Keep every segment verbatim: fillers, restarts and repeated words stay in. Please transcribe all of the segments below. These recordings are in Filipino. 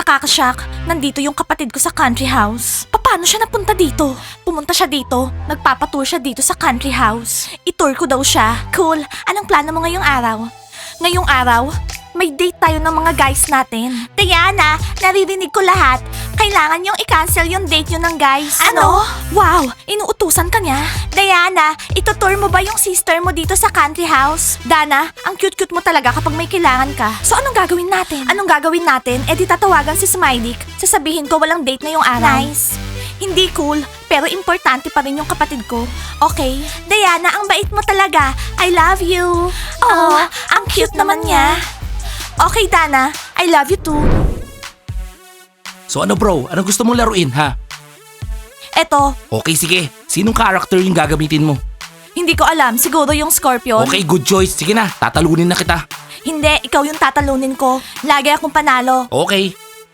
Nakakashock. Nandito yung kapatid ko sa country house. Paano siya napunta dito? Pumunta siya dito. Nagpapatour siya dito sa country house. I-tour ko daw siya. Cool. Anong plano mo ngayong araw? Ngayong araw, may date tayo ng mga guys natin. Diana, naririnig ko lahat. Kailangan yung i-cancel yung date nyo ng guys. Ano? Wow, inuutusan ka niya. Diana, itutour mo ba yung sister mo dito sa country house? Dana, ang cute-cute mo talaga kapag may kailangan ka. So anong gagawin natin? Anong gagawin natin? Eh di tatawagan si Smiley. Sasabihin ko walang date na yung araw. Nice. Hindi cool, pero importante pa rin yung kapatid ko. Okay? Diana, ang bait mo talaga. I love you. Oh, ang cute naman niya. Okay, Dana. I love you too. So ano bro, anong gusto mong laruin ha? Eto, Okay sige, sinong character yung gagamitin mo? hindi ko alam. Siguro yung Scorpion. Okay, good choice. Sige na, tatalunin na kita. Hindi, ikaw yung tatalunin ko. Lagi akong panalo. Okay.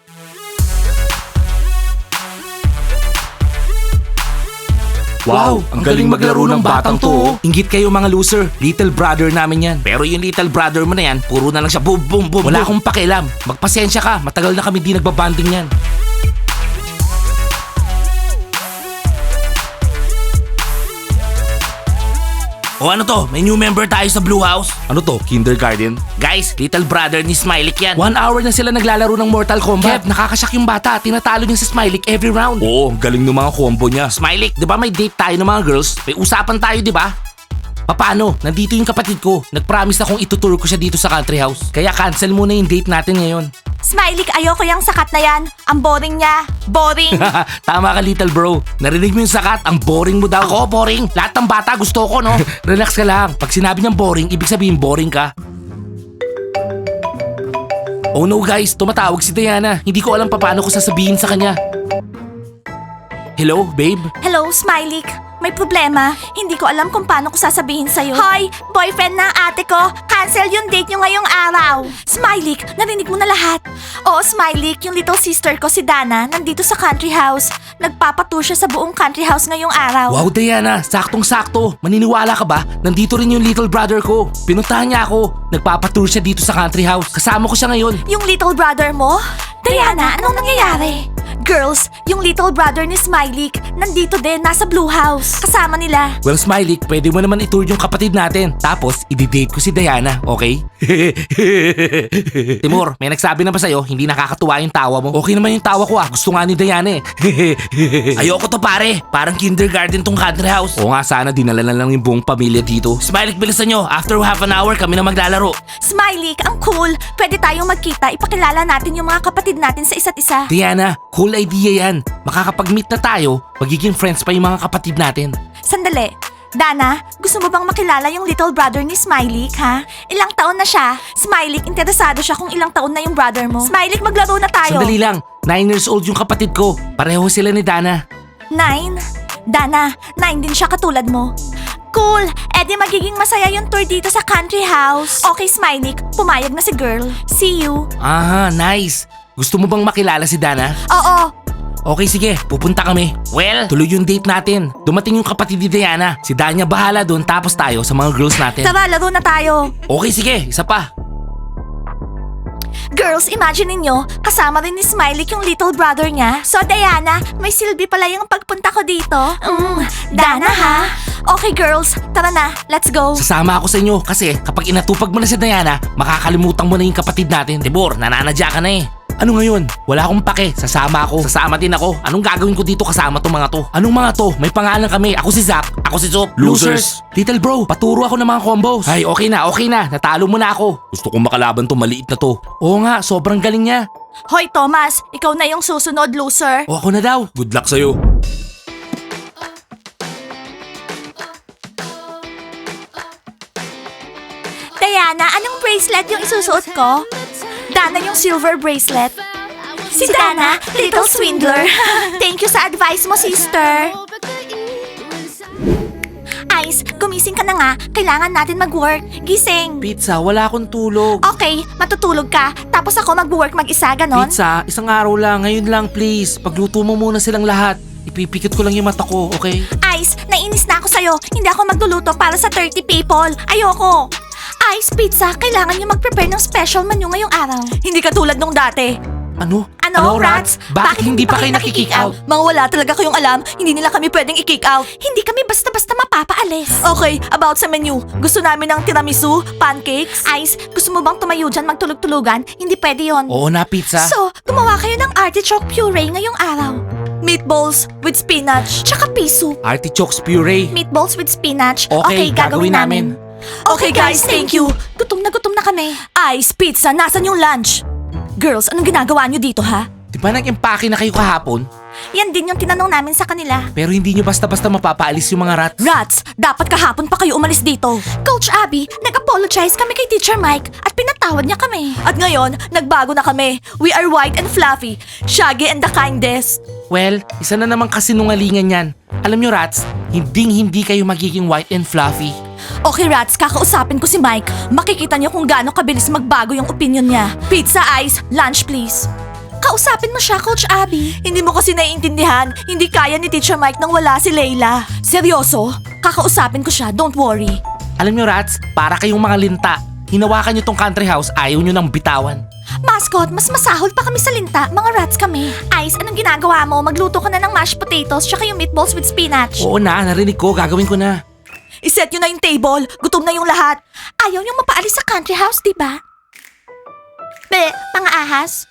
Wow, ang galing maglaro ng batang to. oh. Inggit kayo mga loser. Little brother namin yan. Pero yung little brother mo na yan, puro na lang siya boom boom boom. Wala akong pakialam. Magpasensya ka, matagal na kami di nagbabanding yan. O ano to? May new member tayo sa Blue House? Ano to? Kindergarten? Guys, little brother ni Smiley yan. One hour na sila naglalaro ng Mortal Kombat. Kev, nakakashock yung bata. Tinatalo niya si Smiley every round. Oo, galing ng mga combo niya. Smiley, di ba may date tayo ng mga girls? May usapan tayo, di ba? Paano? Nandito yung kapatid ko. Nag-promise akong ituturo ko siya dito sa country house. Kaya cancel muna yung date natin ngayon. Smiley, ayoko yung sakat na yan. Ang boring niya. Boring. Tama ka little bro. Narinig mo yung sakat? Ang boring mo daw. Ako boring. Lahat ng bata gusto ko no. Relax ka lang. Pag sinabi niyang boring, ibig sabihin boring ka. Oh no guys, tumatawag si Diana. Hindi ko alam paano ko sasabihin sa kanya. Hello, babe? Hello, Smiley. May problema. Hindi ko alam kung paano ko sasabihin sa'yo. Hoy, boyfriend ng ate ko. Cancel yung date nyo ngayong araw. Smiley, narinig mo na lahat. Oo, Smiley, yung little sister ko si Dana nandito sa country house. Nagpapatour siya sa buong country house ngayong araw. Wow, Diana, saktong-sakto. Maniniwala ka ba? Nandito rin yung little brother ko. Pinuntahan niya ako. Nagpapatour siya dito sa country house. Kasama ko siya ngayon. Yung little brother mo? Diana, anong nangyayari? Girls, yung little brother ni Smiley nandito din, nasa Blue House. Kasama nila. Well, Smiley, pwede mo naman itour yung kapatid natin. Tapos, i-date ko si Diana, okay? Timur, may nagsabi na ba sa'yo, hindi nakakatuwa yung tawa mo? Okay naman yung tawa ko ah, gusto nga ni Diana eh. Ayoko to pare, parang kindergarten tong country house. Oo nga, sana dinala na lang yung buong pamilya dito. Smiley, bilisan nyo, after half an hour kami na maglalaro. Smiley, ang cool. Pwede tayong magkita, ipakilala natin yung mga kapatid natin sa isa't isa. Diana, cool idea yan. Makakapag-meet na tayo, magiging friends pa yung mga kapatid natin. Sandali. Dana, gusto mo bang makilala yung little brother ni Smiley, ha? Ilang taon na siya? Smiley, interesado siya kung ilang taon na yung brother mo. Smiley, maglaro na tayo. Sandali lang, nine years old yung kapatid ko. Pareho sila ni Dana. Nine? Dana, nine din siya katulad mo. Cool! Eh di magiging masaya yung tour dito sa country house. Okay, Smiley, pumayag na si girl. See you. Aha, nice. Gusto mo bang makilala si Dana? Oo. Okay, sige. Pupunta kami. Well, tuloy yung date natin. Dumating yung kapatid ni Diana. Si Danya bahala doon tapos tayo sa mga girls natin. Tara, laro na tayo. Okay, sige. Isa pa. Girls, imagine niyo, kasama rin ni Smiley yung little brother niya. So, Diana, may silbi pala yung pagpunta ko dito. Mm, Dana, ha? Okay, girls, tara na. Let's go. Sasama ako sa inyo kasi kapag inatupag mo na si Diana, makakalimutan mo na yung kapatid natin. Tibor, nananadya ka na eh. Ano ngayon? Wala akong pake. Sasama ako. Sasama din ako. Anong gagawin ko dito kasama tong mga to? Anong mga to? May pangalan kami. Ako si Zach. Ako si Zop. Losers. Little bro, paturo ako ng mga combos. Ay, okay na, okay na. Natalo mo na ako. Gusto kong makalaban to, maliit na to. Oo nga, sobrang galing niya. Hoy, Thomas, ikaw na yung susunod, loser. O ako na daw. Good luck sa'yo. Diana, anong bracelet yung isusuot ko? Dana yung silver bracelet. Si Dana, little swindler. Thank you sa advice mo, sister. Ice, gumising ka na nga. Kailangan natin mag-work. Gising. Pizza, wala akong tulog. Okay, matutulog ka. Tapos ako mag-work mag-isa, ganon? Pizza, isang araw lang. Ngayon lang, please. Pagluto mo muna silang lahat. Ipipikit ko lang yung mata ko, okay? Ice, nainis na ako sa'yo. Hindi ako magluluto para sa thirty people. Ayoko. Ice, pizza, kailangan niyo mag-prepare ng special menu ngayong araw. Hindi katulad nung dati. Ano? Ano, rats? Bakit, hindi pa kayo nakikick out? Mga wala talaga kayong alam, hindi nila kami pwedeng i-kick out. Hindi kami basta-basta mapapaalis. Okay, about sa menu. Gusto namin ng tiramisu, pancakes. Ice, gusto mo bang tumayo dyan magtulog-tulugan? Hindi pwede yon. Oo na, pizza. So, gumawa kayo ng artichoke puree ngayong araw. Meatballs with spinach, tsaka pea soup. Artichokes puree. Meatballs with spinach. Okay, gagawin namin. Okay guys, thank you. Gutom na gutom na kami. Ice, pizza, nasan yung lunch? Girls, anong ginagawa nyo dito ha? Di ba nag-empake na kayo kahapon? Yan din yung tinanong namin sa kanila. Pero hindi nyo basta-basta mapapaalis yung mga rats. Rats, dapat kahapon pa kayo umalis dito. Coach Abby, nag-apologize kami kay Teacher Mike at pinatawad niya kami. At ngayon, nagbago na kami. We are white and fluffy, shaggy and the kindest. Well, isa na naman kasinungalingan yan. Alam nyo rats, hinding-hindi kayo magiging white and fluffy. Okay Rats, kakausapin ko si Mike. Makikita niyo kung gaano kabilis magbago yung opinion niya. Pizza, ice, lunch please. Kausapin mo siya, Coach Abby. Hindi mo kasi naiintindihan. Hindi kaya ni Teacher Mike nang wala si Layla. Seryoso? Kakausapin ko siya, don't worry. Alam nyo rats, para kayong mga linta. Hinawakan nyo tong country house, ayaw nyo nang bitawan. Mascot, mas masahol pa kami sa linta. Mga rats kami. Ice, anong ginagawa mo? Magluto ka na ng mashed potatoes tsaka yung meatballs with spinach. Oo na, narinig ko, gagawin ko na. Iset nyo na yung table. Gutom na yung lahat. Ayaw niyong mapaalis sa country house, di ba? Be, pang-ahas?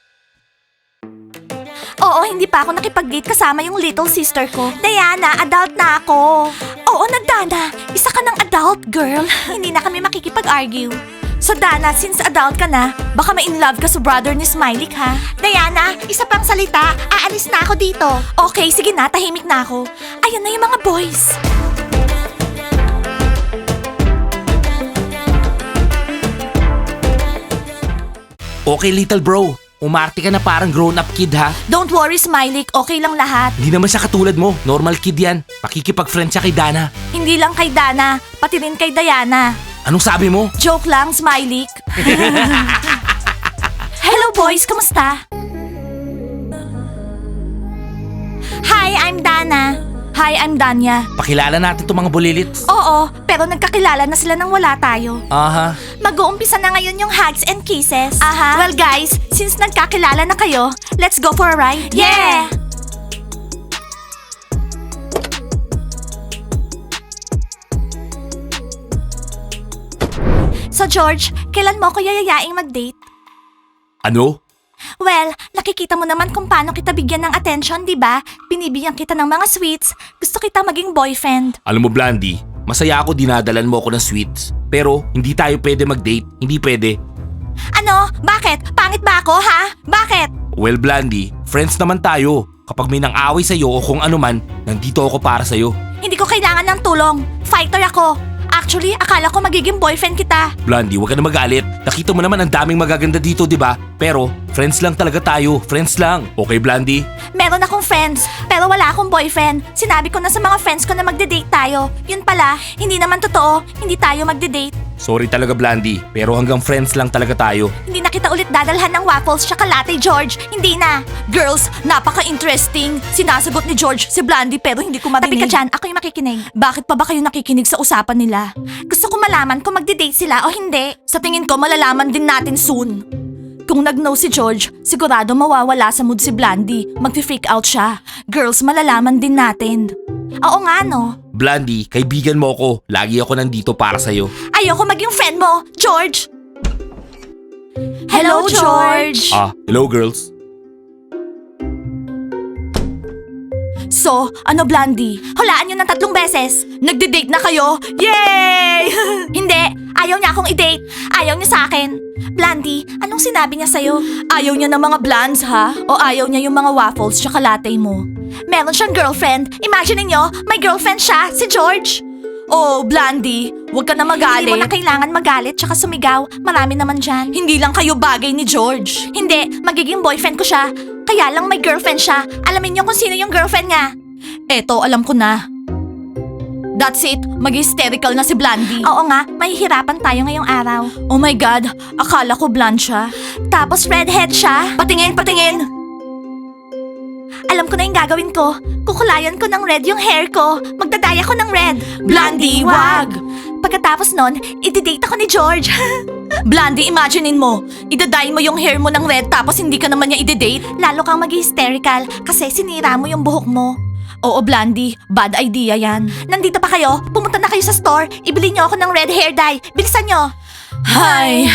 Oo, hindi pa ako nakipag-date kasama yung little sister ko. Diana, adult na ako. Oo na, Dana. Isa ka ng adult, girl. Hindi na kami makikipag-argue. So Dana, since adult ka na, baka ma-in love ka sa brother ni Smiley, ha? Diana, isa pang salita. Aalis na ako dito. Okay, sige na, tahimik na ako. Ayan na yung mga boys. Okay little bro, umarte ka na parang grown-up kid ha. Don't worry, Smiley. Okay lang lahat. Hindi naman siya katulad mo, normal kid yan. Pakikipag-friend siya kay Dana. Hindi lang kay Dana, pati rin kay Diana. Anong sabi mo? Joke lang, Smiley. Hello boys, kamusta? Hi, I'm Dana. Hi, I'm Danya. Pakilala natin itong mga bulilits. Oo, pero nagkakilala na sila nang wala tayo. Aha. Mag-uumpisa na ngayon yung hugs and kisses. Aha. Well guys, since nagkakilala na kayo, let's go for a ride. Yeah! So George, kailan mo ko yayayaing mag-date? Ano? Well, nakikita mo naman kung paano kita bigyan ng attention, di ba? Binibigyan kita ng mga sweets. Gusto kita maging boyfriend. Alam mo Blandy, masaya ako dinadalan mo ako ng sweets. Pero hindi tayo pwede mag-date, hindi pwede. Ano? Bakit? Pangit ba ako, ha? Bakit? Well Blandy, friends naman tayo. Kapag may nang-away sa'yo o kung ano man, nandito ako para sa'yo. Hindi ko kailangan ng tulong. Fighter ako. Actually, akala ko magiging boyfriend kita. Blandy, huwag ka na magalit. Nakita mo naman ang daming magaganda dito, di ba? Pero, friends lang talaga tayo. Friends lang. Okay, Blandy? Meron akong friends, pero wala akong boyfriend. Sinabi ko na sa mga friends ko na magde-date tayo. Yun pala, hindi naman totoo. Hindi tayo magde-date. Sorry talaga, Blandy. Pero hanggang friends lang talaga tayo. Hindi na kita ulit dadalhan ng waffles tsaka latte, George. Hindi na. Girls, napaka-interesting. Sinasagot ni George si Blandy pero hindi ko marinig. Tabi ka dyan, ako yung makikinig. Bakit pa ba kayo nakikinig sa usapan nila? Gusto ko malaman kung magde-date sila o hindi. Sa tingin ko, malalaman din natin soon. Kung nag-no si George, sigurado mawawala sa mood si Blandy. Mag-freak out siya. Girls, malalaman din natin. Oo nga, no? Blandy, kaibigan mo ako. Lagi ako nandito para sa'yo. Ayoko maging friend mo, George! Hello, George! Ah, hello girls. So, ano Blandy? Hulaan nyo ng tatlong beses. Nagde-date na kayo? Yay! Hindi, ayaw niya akong i-date. Ayaw niya sa akin. Blandy, anong sinabi niya sa'yo? Ayaw niya ng mga blondes, ha? O ayaw niya yung mga waffles tsaka latte mo? Meron siyang girlfriend. Imagine niyo, may girlfriend siya, si George. Oh, Blandy, huwag ka na magalit. Hindi mo na kailangan magalit tsaka sumigaw. Marami naman dyan. Hindi lang kayo bagay ni George. Hindi, magiging boyfriend ko siya. Kaya lang may girlfriend siya. Alamin niyo kung sino yung girlfriend niya. Eto, alam ko na. That's it, mag-hysterical na si Blandy. Oo nga, mahihirapan tayo ngayong araw. Oh my God, akala ko blonde siya. Tapos redhead siya. Patingin, patingin! Alam ko na yung gagawin ko. Kukulayan ko ng red yung hair ko. Magdadaya ko ng red. Blandy, wag! Pagkatapos nun, i-date ako ni George. Blandy, imaginein mo. Idadye mo yung hair mo ng red tapos hindi ka naman niya i-date. Lalo kang mag-hysterical kasi sinira mo yung buhok mo. Oo, Blandy. Bad idea yan. Nandito pa kayo? Pumunta na kayo sa store. Ibili niyo ako ng red hair dye. Bilisan niyo. Hay.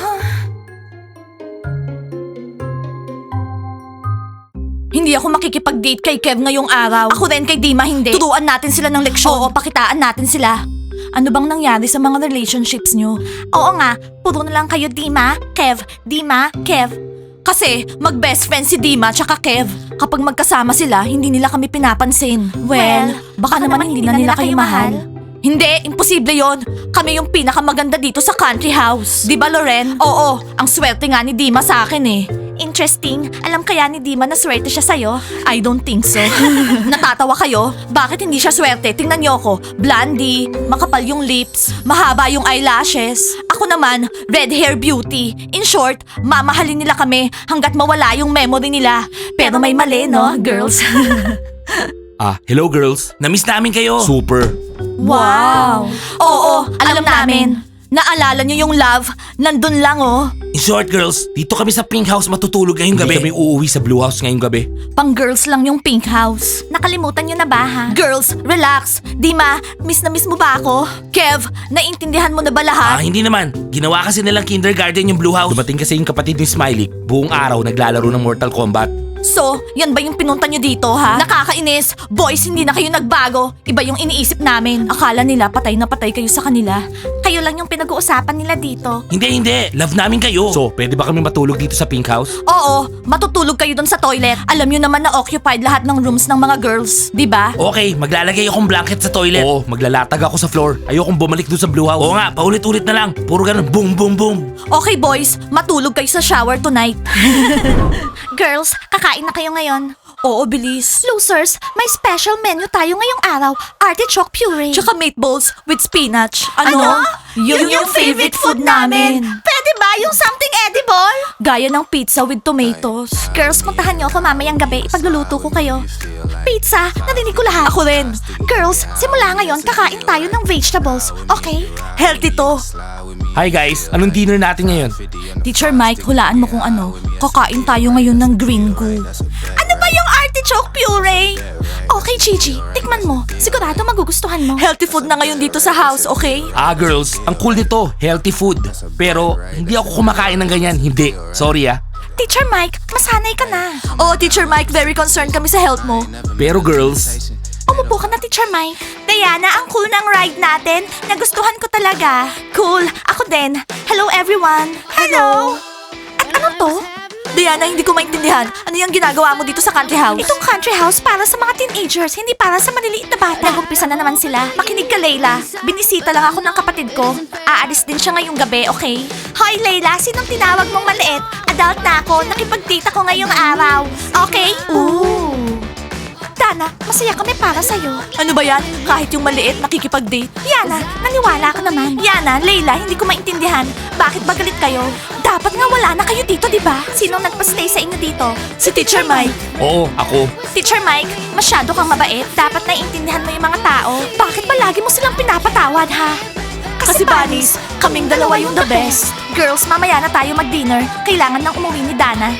Hindi ako makikipag-date kay Kev ngayong araw. Ako rin kay Dima hindi. Turuan natin sila ng leksyon. Oo, pakitaan natin sila. Ano bang nangyari sa mga relationships nyo? Oo nga, puro na lang kayo Dima, Kev, Dima, Kev. Kasi mag-best friend si Dima tsaka Kev. Kapag magkasama sila, hindi nila kami pinapansin. Well, baka, baka naman hindi na nila kayo mahal. Hindi, imposible yon. Kami yung pinakamaganda dito sa country house. Di ba, Loren? Oo, ang swerte nga ni Dima sa akin eh. Interesting. Alam kaya ni Dima na swerte siya sa'yo? I don't think so. Natatawa kayo? Bakit hindi siya swerte? Tingnan niyo ako. Blondie, makapal yung lips, mahaba yung eyelashes. Ako naman, red hair beauty. In short, mamahalin nila kami hanggat mawala yung memory nila. Pero may mali, no, girls? Ah, hello girls. Namiss namin kayo. Super. Wow! Oo, alam, namin. Naalala niyo yung love? Nandun lang oh. In short girls, dito kami sa Pink House matutulog ngayong gabi. Hindi kami uuwi sa Blue House ngayong gabi. Pang girls lang yung Pink House. Nakalimutan niyo na ba ha? Girls, relax. Dima, miss na miss mo ba ako? Kev, naiintindihan mo na ba Ah, lahat? hindi naman. Ginawa kasi nilang kindergarten yung Blue House. Dumating kasi yung kapatid ni Smiley. Buong araw naglalaro ng Mortal Kombat. So, yan ba yung pinunta niyo dito ha? Nakakainis. Boys, hindi na kayo nagbago. Iba yung iniisip namin. Akala nila patay na patay kayo sa kanila. Kayo lang yung pinag-uusapan nila dito. Hindi, hindi. Love namin kayo. So, pwede ba kami matulog dito sa Pink House? Oo, matutulog kayo doon sa toilet. Alam niyo naman na occupied lahat ng rooms ng mga girls, di ba? Okay, maglalagay akong blanket sa toilet. Oo, maglalatag ako sa floor. Ayokong bumalik doon sa Blue House. Oo nga, paulit-ulit na lang. Puro ganun, boom, boom, boom. Okay boys, matulog kayo sa shower tonight. Girls, kakain na kayo ngayon. Oo, bilis. Losers, may special menu tayo ngayong araw. Artichoke puree. Tsaka meatballs with spinach. Ano? Yun, yung favorite food namin. Pwede ba yung something edible? Gaya ng pizza with tomatoes. Girls, puntahan niyo ako mamayang gabi. Ipagluluto ko kayo. Pizza? Narinig ko lahat. Ako rin. Girls, simula ngayon, kakain tayo ng vegetables. Okay? Healthy to. Hi guys, anong dinner natin ngayon? Teacher Mike, hulaan mo kung ano. Kakain tayo ngayon ng green goo. Ano ba yung artichoke puree? Okay, Gigi. Tikman mo. Sigurado magugustuhan mo. Healthy food na ngayon dito sa house, okay? Ah girls, ang cool nito, healthy food. Pero hindi ako kumakain ng ganyan, hindi. Sorry ah. Teacher Mike, masanay ka na. Oo, Teacher Mike, very concerned kami sa health mo. Pero girls, Umupo ka na, Teacher Mike. Diana, ang cool ng ride natin. Nagustuhan ko talaga. Cool. Ako din. Hello, everyone. Hello. At ano to? Diana, hindi ko maintindihan. Ano yung ginagawa mo dito sa country house? Itong country house para sa mga teenagers, hindi para sa maliliit na bata. Nag-umpisa na naman sila. Makinig ka, Layla. Binisita lang ako ng kapatid ko. Aalis din siya ngayong gabi, okay? Hoy, Layla, sinong tinawag mong maliit? Adult na ako. Nakipag-date ako ngayong araw. Okay? Ooh. Dana, masaya kami para sa'yo. Ano ba yan? Kahit yung maliit, nakikipag-date? Yana, naniwala ka naman. Yana, Layla, hindi ko maintindihan. Bakit ba galit kayo? Dapat nga wala na kayo dito, di ba? Sinong nagpa-stay sa inyo dito? Si Teacher Mike. oo, ako. Teacher Mike, masyado kang mabait. Dapat naiintindihan mo yung mga tao. Bakit ba lagi mo silang pinapatawad, ha? Kasi, Bunnies, kaming dalawa yung the best. Girls, mamaya na tayo mag-dinner. Kailangan nang umuwi ni Dana.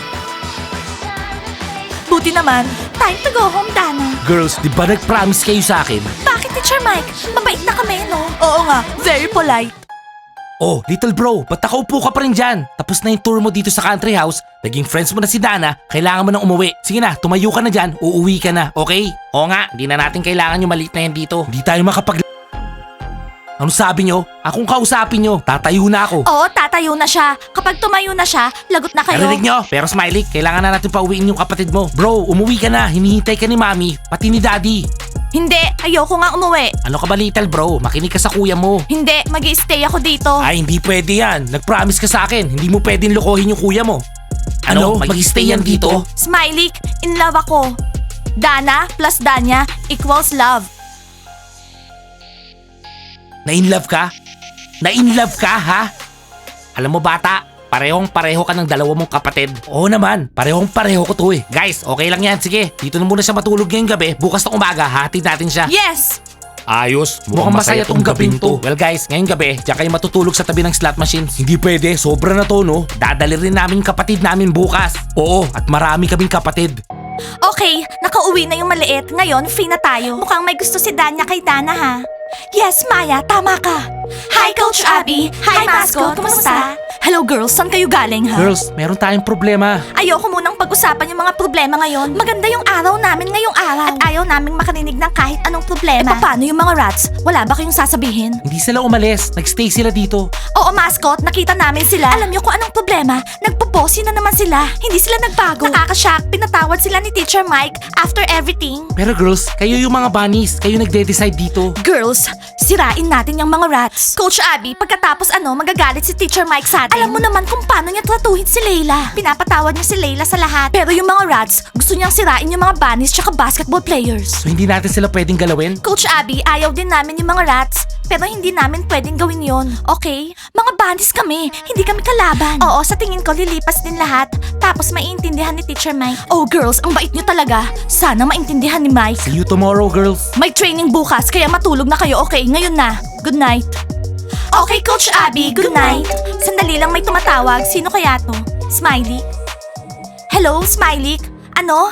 Buti naman. Time to go home, Dana. Girls, di ba nag-promise kayo sa akin? Bakit, Teacher Mike? Mabait na kami, no? Oo nga, very polite. Oh, little bro, ba't nakaupo ka pa rin dyan? Tapos na yung tour mo dito sa country house, naging friends mo na si Dana, kailangan mo nang umuwi. Sige na, tumayo ka na dyan, uuwi ka na, okay? Oo nga, di na natin kailangan yung maliit na yan dito. Di tayo makapag... Ano sabi nyo? Akong kausapin nyo, tatayo na ako. Oo, tatayo na siya. Kapag tumayo na siya, lagot na kayo. Narinig nyo? Pero Smiley, kailangan na natin pauwiin yung kapatid mo. Bro, umuwi ka na, hinihintay ka ni Mami, pati ni Daddy. Hindi, ayoko nga umuwi. Ano ka ba little bro? Makinig ka sa kuya mo. Hindi, mag-i-stay ako dito. Ay, hindi pwede yan. Nag-promise ka sa akin. Hindi mo pwedeng lokohin yung kuya mo. Ano? Mag-stay yan dito? Smiley, in love ako. Dana plus Danya equals love. Na-in-love ka? Na-in-love ka, ha? Alam mo bata, parehong pareho ka ng dalawa mong kapatid. Oo naman, parehong pareho ko to eh. Guys, okay lang yan. Sige, dito na muna siya matulog ngayong gabi. Bukas na umaga, hatid natin siya. Yes! Ayos, mukhang masaya tong gabing to. Well guys, ngayong gabi, diyan kayo matutulog sa tabi ng slot machines. Hindi pwede, sobra na to no. Dadali rin namin kapatid namin bukas. Oo, at marami kaming kapatid. Okay, nakauwi na yung maliit. Ngayon, free na tayo. Mukhang may gusto si Danya kay Dana, ha? Yes, Maya, tama ka. Hi, Coach Abby. Hi, Mascot. Kumusta? Hello, girls. Saan kayo galing, ha? Girls, meron tayong problema. Ayoko munang pag-usapan yung mga problema ngayon. Maganda yung araw namin ngayong araw. At ayaw naming makarinig ng kahit anong problema. Eh, paano yung mga rats? Wala ba kayong sasabihin? Hindi sila umalis, nagstay sila dito. Oo, Mascot. Nakita namin sila. Alam niyo kung anong problema? Nagpo-bossy na naman sila. Hindi sila nagbago. Nakakashock. Pinatawad sila ni Teacher Mike after everything. Pero girls, kayo yung mga bunnies, kayo nagde-decide dito. Girls, sirain natin yung mga rats. Coach Abby, pagkatapos ano, magagalit si Teacher Mike sa atin. Alam mo naman kung paano niya tratuhin si Layla. Pinapatawad niya si Layla sa lahat. Pero yung mga rats, gusto niyang sirain yung mga bunnies tsaka basketball players. So hindi natin sila pwedeng galawin? Coach Abby, ayaw din namin yung mga rats. Pero hindi namin pwedeng gawin yon, okay? Mga bunnies kami, hindi kami kalaban. Oo, sa tingin ko lilipas din lahat. Tapos maiintindihan ni Teacher Mike. Oh girls, ang bait niyo talaga. Sana maintindihan ni Mike. See you tomorrow, girls. May training bukas, kaya matulog na kayo, okay? Ngayon na. Good night. Okay, Coach Abby, good night. Sandali lang, may tumatawag. Sino kaya to? Smiley? Hello, Smiley? Ano?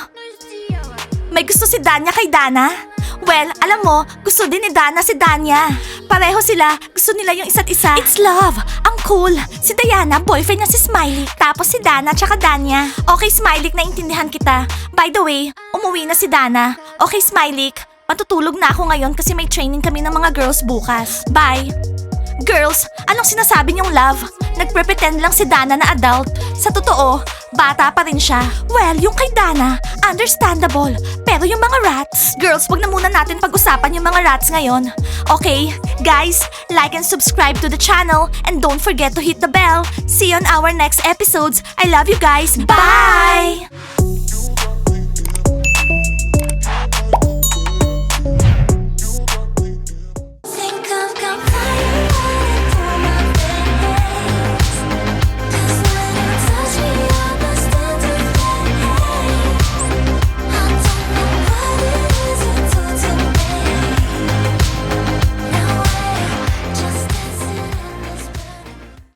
May gusto si Danya kay Dana? Well, alam mo, gusto din ni Dana si Danya. Pareho sila, gusto nila yung isa't isa. It's love! Ang cool! Si Diana, boyfriend niya si Smiley. Tapos si Dana tsaka Danya. Okay, Smiley, naintindihan kita. By the way, umuwi na si Dana. Okay, Smiley, matutulog na ako ngayon kasi may training kami ng mga girls bukas. Bye! Girls, anong sinasabi niyong love? Nagpre-pretend lang si Dana na adult. Sa totoo, bata pa rin siya. Well, yung kay Dana, understandable. Pero yung mga rats... Girls, wag na muna natin pag-usapan yung mga rats ngayon. Okay, guys, like and subscribe to the channel and don't forget to hit the bell. See you on our next episodes. I love you guys. Bye!